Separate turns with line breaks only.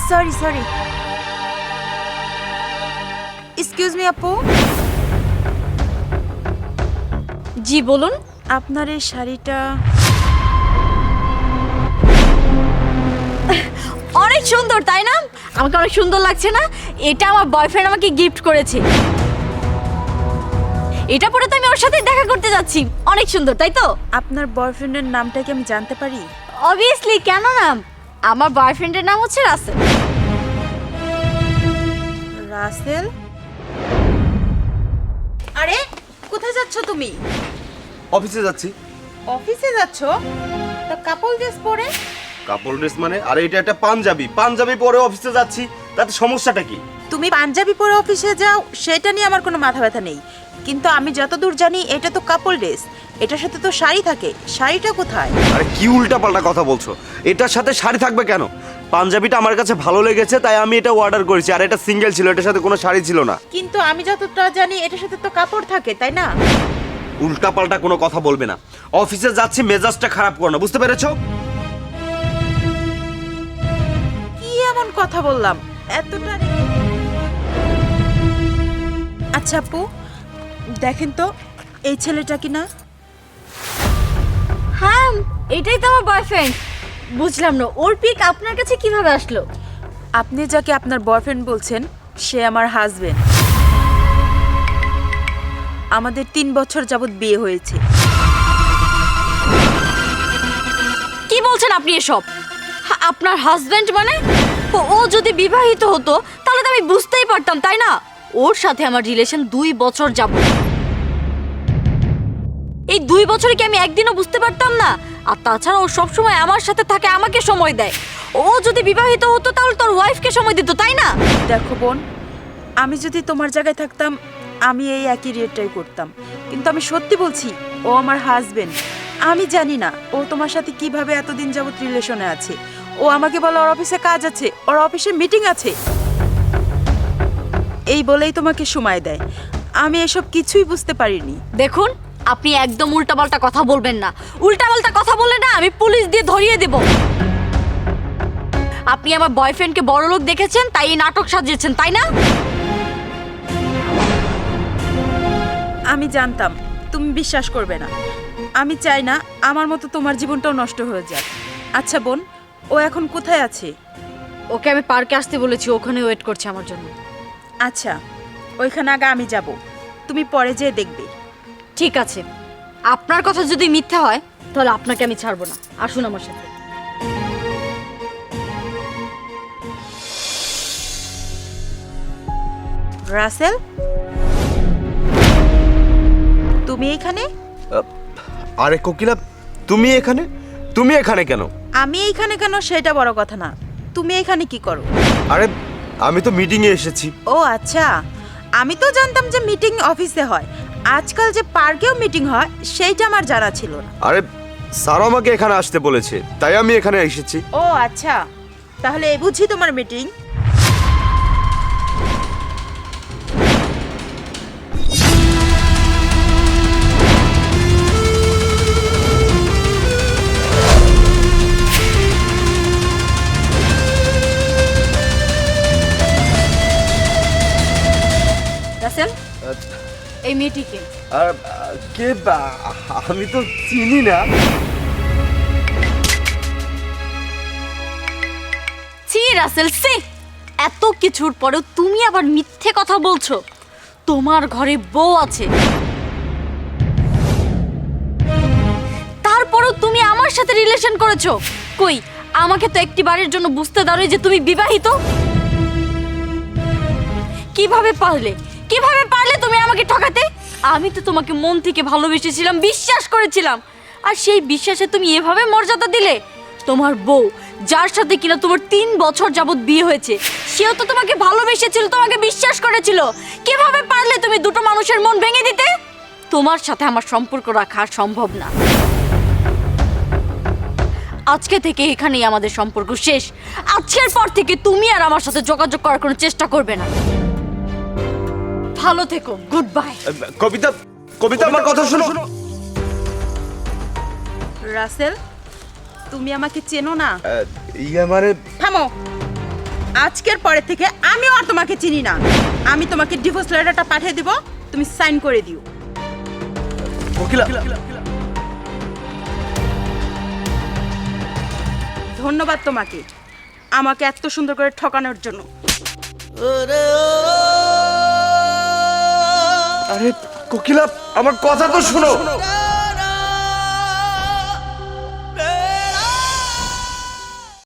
Sorry sorry, excuse me আপু।
জি বলুন।
আপনার এই শাড়িটা
অনেক সুন্দর, তাই না? আমাকে অনেক সুন্দর লাগছে না? এটা আমার বয়ফ্রেন্ড আমাকে গিফট করেছে। এটা পরে তো আমি ওর সাথে দেখা করতে যাচ্ছি। অনেক সুন্দর, তাই তো?
আপনার বয়ফ্রেন্ডের নামটা কি আমি জানতে পারি?
অবভিয়াসলি, কেন না? আমার বয়ফ্রেন্ডের নাম হচ্ছে রাসেল।
রাসেল? আরে কোথায় যাচ্ছ তুমি?
অফিসে যাচ্ছি।
অফিসে যাচ্ছ? তা কাপল ড্রেস পরে?
কাপড় ড্রেস মানে? আরে এটা একটা পাঞ্জাবি, পাঞ্জাবি পরে অফিসে যাচ্ছি, তাতে সমস্যাটা কি?
তুমি পাঞ্জাবি পরে অফিসে যাও সেটা নিয়ে আমার কোনো মাথা ব্যথা নেই, কিন্তু আমি যতদূর জানি এটা তো কাপল ড্রেস, এটার সাথে তো শাড়ি থাকে, শাড়িটা কোথায়?
আরে কি উল্টাপাল্টা কথা বলছো? এটার সাথে শাড়ি থাকবে কেন? পাঞ্জাবিটা আমার কাছে ভালো লেগেছে তাই আমি এটা অর্ডার করেছি, আর এটা সিঙ্গেল ছিল, এটার সাথে কোনো শাড়ি ছিল না।
কিন্তু আমি যতটা জানি এটার সাথে তো কাপড় থাকে, তাই না?
উল্টাপাল্টা কোনো কথা বলবে না। অফিসে যাচ্ছি, মেজাজটা খারাপ করো না, বুঝতে পেরেছো?
কি এমন কথা বললাম এতটা? আচ্ছা আপু, দেখেন তো এই ছেলেটা কি না?
হ্যাঁ, এটাই তো আমার বয়ফ্রেন্ড। বুঝলাম না, ওর পিক আপনার কাছে কিভাবে আসলো?
আপনি যাকে আপনার বয়ফ্রেন্ড বলছেন সে আমার হাজবেন্ড। আমাদের 3 বছর যাবত বিয়ে হয়েছে।
কি বলছেন আপনি এসব? আপনার হাজবেন্ড মানে? ও যদি বিবাহিত হতো তাহলে তো আমি বুঝতেই পারতাম, তাই না? ওর সাথে আমার রিলেশন 2 বছর যাবত। এই 2 বছরে কি আমি একদিনও বুঝতে পারতাম না? আর তাছাড়া ও সবসময় আমার সাথে থাকে, আমাকে সময় দেয়। ও যদি বিবাহিত হতো তাহলে তোর ওয়াইফকে সময় দিত, তাই না?
দেখো বোন, আমি যদি তোমার জায়গায় থাকতাম আমি এই একই রিয়েটটাই করতাম, কিন্তু আমি সত্যি বলছি ও আমার হাজবেন্ড। আমি জানি না ও তোমার সাথে কিভাবে এতদিন যাবত রিলেশনে আছে। ও আমাকে বলে ওর অফিসে কাজ আছে, ওর অফিসে মিটিং আছে, এই বলেই তোমাকে সময় দেয়। আমি এসব কিছুই বুঝতে পারিনি।
দেখুন, আপনি একদম উল্টাপাল্টা কথা বলবেন না। উল্টাপাল্টা কথা বললে না আমি পুলিশ দিয়ে ধরিয়ে দেব। আপনি আমার বয়ফ্রেন্ডকে বড়লোক দেখেছেন তাই এই নাটক সাজিয়েছেন, তাই না?
আমি জানতাম তুমি বিশ্বাস করবে না। আমি চাই না আমার মতো তোমার জীবনটাও নষ্ট হয়ে যাক। আচ্ছা বোন, ও এখন কোথায় আছে?
ওকে আমি পার্কে আসতে বলেছি, ওখানে ওয়েট করছে আমার জন্য।
আচ্ছা, ওইখানে আগে আমি যাব, তুমি পরে যেয়ে দেখবে।
ঠিক আছে, আপনার কথা যদি মিথ্যা হয় তাহলে আপনাকে আমি ছাড়বো না। আসুন আমার সাথে।
রাসেল, তুমি এখানে?
আরে কোকিলা, তুমি এখানে? তুমি এখানে কেন?
আমি এইখানে কেন সেটা বড় কথা না, তুমি এখানে কি করো?
আরে আমি তো মিটিংয়ে এসেছি।
ও আচ্ছা, আমি তো জানতাম যে মিটিং অফিসে হয়, আজকাল যে পার্কেও মিটিং হয় সেইটা আমার জানা ছিল না।
আরে স্যার আমাকে এখানে আসতে বলেছে তাই আমি এখানে এসেছি।
ও আচ্ছা, তাহলে এই বুঝি তোমার মিটিং?
রাসেল, এই মেয়েটিকে
আর কে? আমি তো চিনি না।
ছি রাসেল, সি! এত কিছুর পরেও তুমি আবার মিথ্যে কথা বলছো। তোমার ঘরে বউ আছে, তারপরেও তুমি আমার সাথে রিলেশন করেছো। কই, আমাকে তো একটি বারের জন্য বুঝতে দাও যে তুমি বিবাহিত। কিভাবে পারলে তুমি আমাকে ঠকাতে? আমি তো তোমাকে মন থেকে ভালোবেসেছিলাম, বিশ্বাস করেছিলাম, আর সেই বিশ্বাসে তুমি এভাবে মর্যাদা দিলে। তোমার বউ, যার সাথে কিনা তোমার 3 বছর যাবত বিয়ে হয়েছে, সেও তো তোমাকে ভালোবেসেছিল, তোমাকে বিশ্বাস করেছিল। কিভাবে পারলে তুমি দুটো মানুষের মন ভেঙে দিতে? তোমার সাথে আমার সম্পর্ক রাখা সম্ভব না। আজকে থেকে এখানেই আমাদের সম্পর্ক শেষ। আজকের পর থেকে তুমি আর আমার সাথে যোগাযোগ করার কোনো চেষ্টা করবে না। ভালো থেকো, গুড বাই।
কবিতা, কবিতা আমার কথা শোনো।
রাসেল, তুমি আমাকে চেনো না?
ইয়ে মানে
থামো, আজকের পরে থেকে আমিও আর তোমাকে চিনি না। আমি তোমাকে ডিভোর্স লেটারটা পাঠিয়ে দিব, তুমি সাইন করে দিও।
কোকিলা
ধন্যবাদ তোমাকে আমাকে এত সুন্দর করে ঠকানোর জন্য।
আরে কোকিলা আমার কথা তো শোনো।